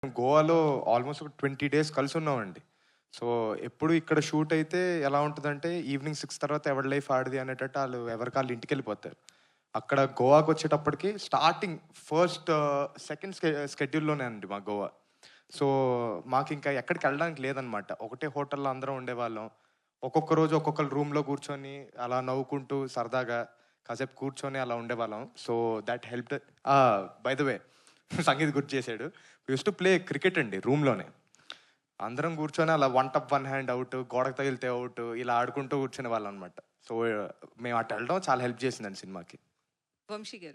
గోవాలో ఆల్మోస్ట్ ఒక 20 days కలిసున్నామండి. So, ఎప్పుడు ఇక్కడ షూట్ అయితే ఎలా ఉంటదంటే, ఈవినింగ్ 6 తర్వాత ఎవడి లైఫ్ ఆడిది అనేటట్టు ఎవరికి ఆళ్ళు ఇంటికెళ్ళిపోతారు. అక్కడ గోవాకొచ్చేటప్పటికి స్టార్టింగ్ సెకండ్ స్కెడ్యూల్‌లోనే అండి మా గోవా. సో, మాకింకా ఎక్కడికెళ్ళడానికి లేదనమాట. ఒకటే హోటల్‌లో అందరం ఉండేవాళ్ళం. ఒక్కొక్క రోజు ఒక్కొక్కళ్ళ రూమ్‌లో కూర్చొని, అలా నవ్వుకుంటూ సరదాగా కాసేపు కూర్చొని అలా ఉండేవాళ్ళం. So, that helped. ఆ! బై ద వే సంగీత్ గుర్తు చేసాడు. We used to play cricket అండి రూమ్‌లోనే. అందరం కూర్చొని అలా వన్ టప్ వన్ హ్యాండ్ ఔట్, గోడకు తగిలితే ఔట్ ఇలా ఆడుకుంటూ కూర్చునేవాళ్ళం అనమాట. సో, మేము అటెళ్ళడం చాలా హెల్ప్ చేసిందండి సినిమాకి. వంశీ గారు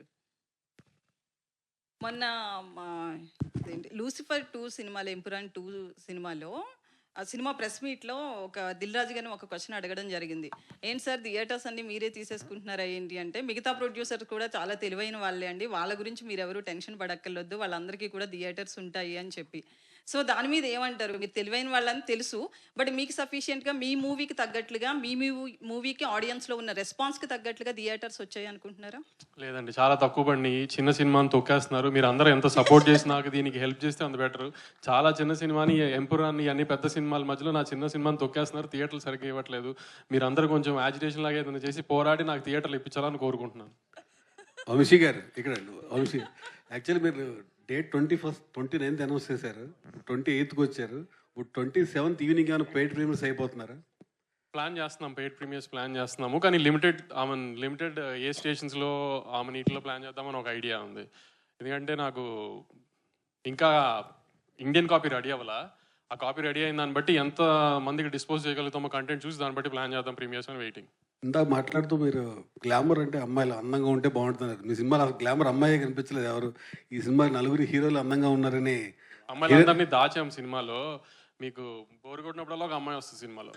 మొన్న మా ఇదేంటి 'లూసిఫర్ 2' సినిమాలో 'ఎంపురాన్ 2' సినిమాలో ఆ సినిమా ప్రెస్ మీట్లో ఒక దిల్ రాజు గారిని ఒక క్వశ్చన్ అడగడం జరిగింది. ఏంటి సార్ థియేటర్స్ అన్ని మీరే తీసేసుకుంటున్నారా ఏంటి అంటే, మిగతా ప్రొడ్యూసర్స్ కూడా చాలా తెలివైన వాళ్ళే అండి, వాళ్ళ గురించి మీరు ఎవరు టెన్షన్ పడక్కర్లొద్దు, వాళ్ళందరికీ కూడా థియేటర్స్ ఉంటాయి అని చెప్పి. సో దాని మీద ఏమంటారు? మీరు తెలివైన వాళ్ళని తెలుసు, బట్ మీకు సఫిషియెంట్గా మీ మూవీకి తగ్గట్లుగా మీ మూవీకి ఆడియన్స్లో ఉన్న రెస్పాన్స్కి తగ్గట్లుగా థియేటర్స్ వచ్చాయి అనుకుంటున్నారా? లేదండి, చాలా తక్కువ పడినాయి. చిన్న సినిమాని తొక్కేస్తున్నారు. మీరు అందరూ ఎంత సపోర్ట్ చేసి నాకు దీనికి హెల్ప్ చేస్తే అంత బెటర్. చాలా చిన్న సినిమాని, ఎంపురాన్ని, అన్ని పెద్ద సినిమాల మధ్యలో నా చిన్న సినిమాని తొక్కేస్తున్నారు. థియేటర్లు సరిగ్గా ఇవ్వట్లేదు. మీరు అందరూ కొంచెం యాజిటేషన్ లాగా ఏదైనా చేసి పోరాడి నాకు థియేటర్లు ఇప్పించాలని కోరుకుంటున్నాను. వంశీ గారు ఇక్కడ వంశీ యాక్చువల్లీ మీరు డేట్ 29th అనౌన్స్ చేశారు, 28th వచ్చారు. ఇప్పుడు 27th ఈవినింగ్ ఏమైనా పెయిడ్ ప్రీమియర్స్ అయిపోతున్నారా? ప్లాన్ చేస్తున్నాం, పెయిడ్ ప్రీమియర్స్ ప్లాన్ చేస్తున్నాము. కానీ లిమిటెడ్ ఏ స్టేషన్స్లో నీటిలో ప్లాన్ చేద్దామని ఒక ఐడియా ఉంది. ఎందుకంటే నాకు ఇంకా ఇండియన్ కాపీ రెడీ అవ్వాలా. ఆ కాపీ రెడీ అయిన దాన్ని బట్టి ఎంత మందికి డిస్పోజ్ చేయగలుగుతామో కంటెంట్ చూసి దాన్ని బట్టి ప్లాన్ చేద్దాం ప్రీమియర్స్ అని వెయిటింగ్. ఇందాక మాట్లాడుతూ మీరు గ్లామర్ అంటే అమ్మాయిలు అందంగా ఉంటే బాగుంటున్నారు. మీ సినిమాలో గ్లామర్ అమ్మాయి కనిపించలేదు ఎవరు. ఈ సినిమా నలుగురు హీరోలు అందంగా ఉన్నారని అమ్మాయిలందరినీ దాచాం సినిమాలో. మీకు బోరు కొట్టినప్పుడల్లా ఒక అమ్మాయి వస్తుంది సినిమాలో.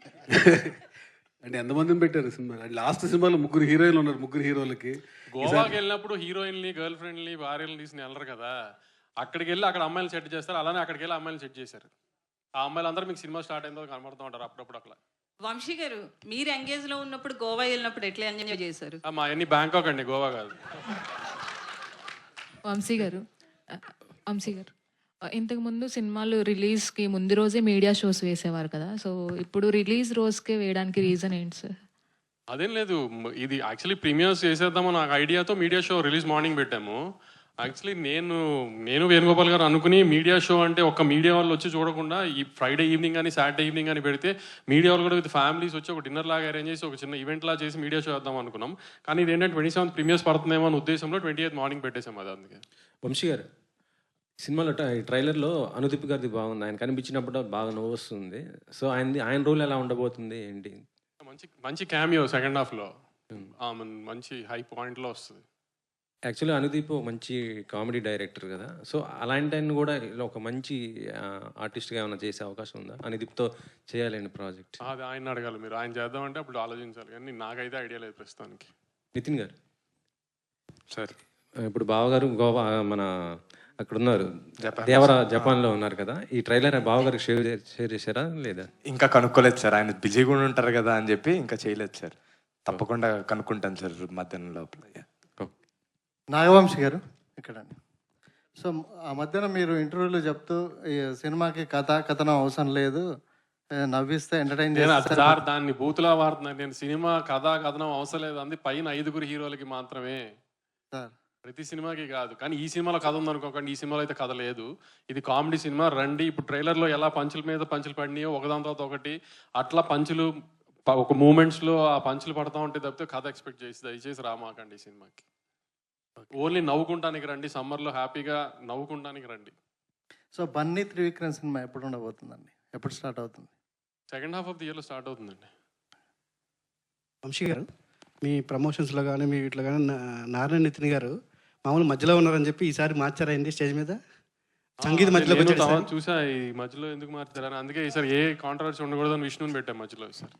అంటే ఎంతమందిని పెట్టారు సినిమా? లాస్ట్ సినిమాలో 3 హీరోయిన్లు ఉన్నారు. 3 హీరోలకి గోవాకి వెళ్ళినప్పుడు హీరోయిన్లు, గర్ల్ ఫ్రెండ్ని, భార్యలను తీసుకుని వెళ్ళరు కదా. అక్కడికి వెళ్ళి అక్కడ అమ్మాయిలు సెట్ చేస్తారు. అలానే అక్కడికి వెళ్ళి అమ్మాయిలు సెట్ చేశారు. ఆ అమ్మాయిలు అందరూ మీకు సినిమా స్టార్ట్ అయిందో కనబడుతూ ఉంటారు అప్పుడప్పుడు అట్లా. వంశీ గారు మీరు ఎంగేజ్లో ఉన్నప్పుడు గోవా వెళ్ళినప్పుడు ఎట్లా ఎంజాయ్ చేశారు? మా అన్ని బ్యాంకాక్ అండి, గోవా కాదు. వంశీ గారు ఇంతకుముందు సినిమాలు రిలీజ్కి ముందు రోజే మీడియా షోస్ వేసేవారు కదా, సో ఇప్పుడు రిలీజ్ రోజుకే వేయడానికి రీజన్ ఏంటి సార్? అదేం లేదు, ఇది యాక్చువల్లీ ప్రీమియర్స్ చేసేద్దామో నాకు ఐడియాతో మీడియా షో రిలీజ్ మార్నింగ్ పెట్టాము. యాక్చువల్లీ నేను వేణుగోపాల్ గారు అనుకుని మీడియా షో అంటే ఒక మీడియా వాళ్ళు వచ్చి చూడకుండా ఈ ఫ్రైడే ఈవినింగ్ కానీ సాటర్డే ఈవినింగ్ కానీ పెడితే మీడియా వాళ్ళు కూడా విత్ ఫ్యామిలీస్ వచ్చి ఒక డిన్నర్ లాగా అరేంజ్ చేసి ఒక చిన్న ఈవెంట్ లాగా చేసి మీడియా షో వేద్దాం అనుకున్నాం. కానీ ఇది ఏంటంటే 27th ప్రీమియర్స్ పడుతుందేమో అనే ఉద్దేశంలో 28th మార్నింగ్ పెట్టేసాం. అది అందుకే. వంశీ గారు సినిమాలో ట్రైలర్లో అనుదీప్ గారిది బాగుంది. ఆయన కనిపించినప్పుడు బాగా నవ్వు వస్తుంది. సో ఆయన రోల్ ఎలా ఉండబోతుంది ఏంటి? మంచి క్యామియో సెకండ్ హాఫ్లో మంచి హై పాయింట్లో వస్తుంది. యాక్చువల్లీ అనుదీప్ మంచి కామెడీ డైరెక్టర్ కదా, సో అలాంటి ఆయన కూడా ఇలా ఒక మంచి ఆర్టిస్ట్గా ఏమైనా చేసే అవకాశం ఉందా? అనుదీప్తో చేయాలండి ప్రాజెక్ట్. అది ఆయన అడగాలి మీరు. ఆయన చేద్దామంటే అప్పుడు ఆలోచించాలి, కానీ నాకైతే ఐడియా లేదు ప్రస్తుతానికి. నితిన్ గారు సార్, ఇప్పుడు బావగారు గోవా మన అక్కడ ఉన్నారు, జపాన్లో ఉన్నారు కదా. ఈ ట్రైలర్ బావగారికి షేర్ చేశారా లేదా? ఇంకా కనుక్కోలేదు సార్. ఆయన బిజీగా ఉంటారు కదా అని చెప్పి ఇంకా చేయలేదు సార్. తప్పకుండా కనుక్కుంటాను సార్ మధ్యాహ్నం లోపల. నాగవంశి గారు ఇక్కడ. సో ఆ మధ్యన మీరు ఇంటర్వ్యూలో చెప్తూ ఈ సినిమాకి కథనం అవసరం లేదు, నవ్విస్తే ఎంటర్టైన్ చేస్తారు సార్. దాన్ని బూతులా వాడుతున్నాను నేను. సినిమా కథనం అవసరం లేదు అంది పైన 5 హీరోలకి మాత్రమే సార్, ప్రతి సినిమాకి కాదు. కానీ ఈ సినిమాలో కథ ఉందనుకోకండి, ఈ సినిమాలో అయితే కథ లేదు. ఇది కామెడీ సినిమా. రండి, ఇప్పుడు ట్రైలర్లో ఎలా పంచుల మీద పంచులు పడినాయో ఒకదాని తర్వాత ఒకటి అట్లా పంచులు ఒక మూమెంట్స్లో ఆ పంచులు పడతా ఉంటే తప్పితే కథ ఎక్స్పెక్ట్ చేసి దయచేసి రామాకండి ఈ సినిమాకి. ఓన్లీ నవ్వుకుంటానికి రండి, సమ్మర్లో హ్యాపీగా నవ్వుకుంటానికి రండి. సో బన్నీ త్రివిక్రమ్ సినిమా ఎప్పుడు ఉండబోతుందండి? ఎప్పుడు స్టార్ట్ అవుతుంది? సెకండ్ హాఫ్ ఆఫ్ ది ఇయర్లో స్టార్ట్ అవుతుందండి. వంశీ గారు మీ ప్రమోషన్స్లో కానీ మీ వీటిలో కానీ నారాయణ నితిన్ గారు మామూలు మధ్యలో ఉన్నారని చెప్పి ఈసారి మార్చారైంది స్టేజ్ మీద సంగీత మధ్యలో చూసా. ఈ మధ్యలో ఎందుకు మార్చారని, అందుకే ఈసారి ఏ కాంట్రవర్సీ ఉండకూడదని విష్ణుని పెట్టాం మధ్యలో ఈసారి.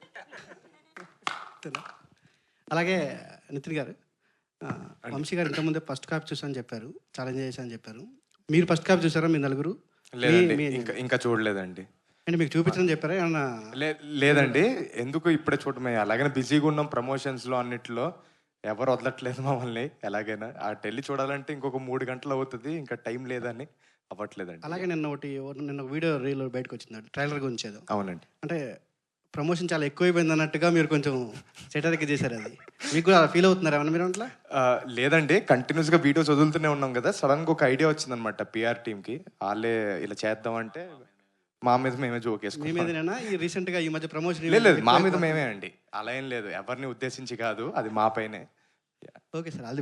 అలాగే నితిన్ గారు, వంశీ గారు ఇంతకుముందే ఫస్ట్ కాపీ చూసాను చెప్పారు, ఛాలెంజ్ చేశాను చెప్పారు. మీరు ఫస్ట్ కాపీ చూసారా మీ నలుగురు? ఇంకా చూడలేదండి. అంటే మీకు చూపించడం చెప్పారా ఏమన్నా? లేదండి, ఎందుకు ఇప్పుడే చూడమే. అలాగనే బిజీగా ఉన్నాం ప్రమోషన్స్లో అన్నిట్లో. ఎవరు వదలట్లేదు మమ్మల్ని. ఎలాగైనా ఆ టెల్లి చూడాలంటే ఇంకొక 3 గంటలు అవుతుంది, ఇంకా టైం లేదని అవ్వట్లేదండి. అలాగే నిన్న ఒక వీడియో రీల్ బయటకు వచ్చింది, ట్రైలర్ గురించి ఏదో. అవునండి. అంటే ప్రమోషన్ చాలా ఎక్కువైపోయింది అన్నట్టుగా మీరు కొంచెం సెటరిక్ చేశారు. అది మీకు కూడా అలా ఫీల్ అవుతున్నారు ఏమన్నా మీరు అట్లా? లేదండి, కంటిన్యూస్గా వీడియోస్ వదులుతూనే ఉన్నాం కదా, సడన్గా ఒక ఐడియా వచ్చిందనమాట పిఆర్ టీమ్కి. వాళ్ళే ఇలా చేద్దామంటే మా మీద మేమే జోక్ మీ వేసుకున్నాం. మీదనేనా ఈ రీసెంట్గా ఈ మధ్య ప్రమోషన్? లేదు, మా మీద మేమే అండి, అలా ఏం లేదు, ఎవరిని ఉద్దేశించి కాదు, అది మా పైనే. Okay sir.